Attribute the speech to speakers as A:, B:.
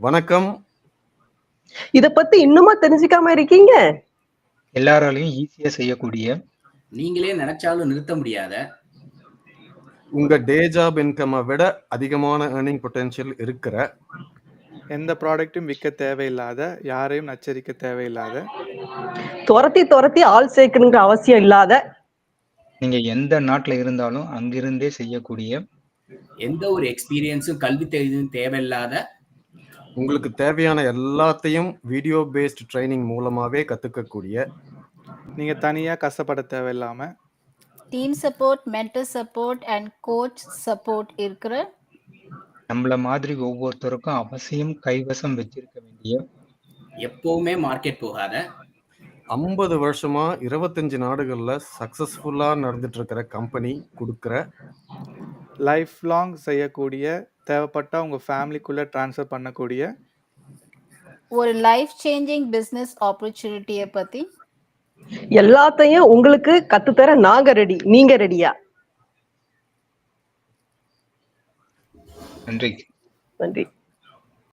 A: வணக்கம்.
B: இத பத்தி இன்னுமா தெரிஞ்சுக்காம இருக்கீங்க?
C: எல்லாராலையும் ஈஸியா செய்யக்கூடிய,
D: நீங்களே நினைச்சாலும் நிறுத்த முடியாத,
A: உங்க டே ஜாப் இன்கம்மை விட அதிகமான ஏர்னிங் பொட்டென்ஷியல் இருக்கிற,
E: எந்த ப்ராடக்ட்டும் விற்க தேவையில்லாத, யாரையும் நச்சரிக்க தேவையில்லாத,
B: துரத்தி ஆள் சேர்க்கணுங்கிற அவசியம் இல்லாத,
C: நீங்க எந்த நாட்டுல இருந்தாலும் அங்கிருந்தே செய்யக்கூடிய,
D: எந்த ஒரு எக்ஸ்பீரியன்ஸும் கல்வி தெரியும் தேவையில்லாத,
A: உங்களுக்கு தேவையான எல்லாத்தையும் வீடியோ பேஸ்ட் ட்ரைனிங் மூலமாவே கத்துக்கக்கூடிய,
E: நீங்க தனியா கஷ்டப்பட தேவையில்லாம,
F: team support, mentor support and coach support இருக்கிற,
C: நம்மள மாதிரி ஒவ்வொருத்தருக்கும் அவசியம் கைவசம் வச்சிருக்க வேண்டிய,
D: எப்பவுமே மார்க்கெட் போகாத,
A: 50 வருஷமா 25 நாடுகள்ல சக்சஸ்ஃபுல்லா நடந்துட்டு இருக்கிற கம்பெனி கொடுக்கிற,
E: லைஃப் லாங் செய்யக்கூடிய, தேவைப்பட்டா உங்க ஃபேமிலிக்குள்ள ட்ரான்ஸ்ஃபர் பண்ணக்கூடிய,
F: ஒரு லைஃப் சேஞ்சிங் பிசினஸ் ஆப்பர்ச்சுனிட்டியை பத்தி
B: எல்லாத்தையும் உங்களுக்கு கத்துத்தர நாங்க ரெடி. நீங்க ரெடியா?
C: நன்றி.
B: நன்றி.